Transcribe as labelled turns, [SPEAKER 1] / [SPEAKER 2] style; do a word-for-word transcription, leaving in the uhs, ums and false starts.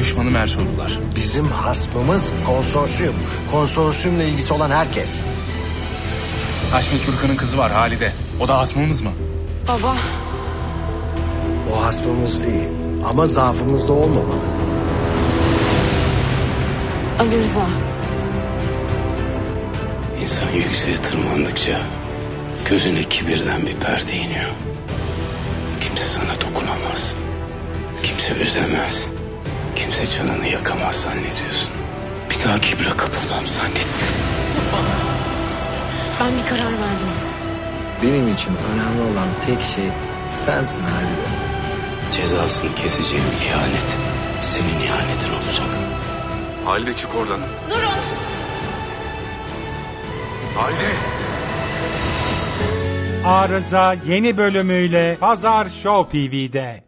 [SPEAKER 1] düşmanı Mersoğlular.
[SPEAKER 2] Bizim hasmımız konsorsiyum. Konsorsiyumla ilgisi olan herkes.
[SPEAKER 1] Haşmet Gürkan'ın kızı var Halide. O da hasmımız mı?
[SPEAKER 3] Baba.
[SPEAKER 2] O hasmımız değil. Ama zaafımız da olmamalı.
[SPEAKER 3] Ali Rıza.
[SPEAKER 4] İnsan yükseğe tırmandıkça gözüne kibirden bir perde iniyor. Kimse sana dokunamaz. Kimse üzemez. Kimse canını yakamaz zannediyorsun. Bir daha kibre kapılmam zannettim.
[SPEAKER 3] Ben bir karar verdim.
[SPEAKER 2] Benim için önemli olan tek şey sensin Halide.
[SPEAKER 4] Cezasını keseceğim ihanet senin ihanetin olacak.
[SPEAKER 1] Halide çık oradan.
[SPEAKER 3] Durun.
[SPEAKER 1] Halide!
[SPEAKER 5] Arıza yeni bölümüyle Pazar Show T V'de.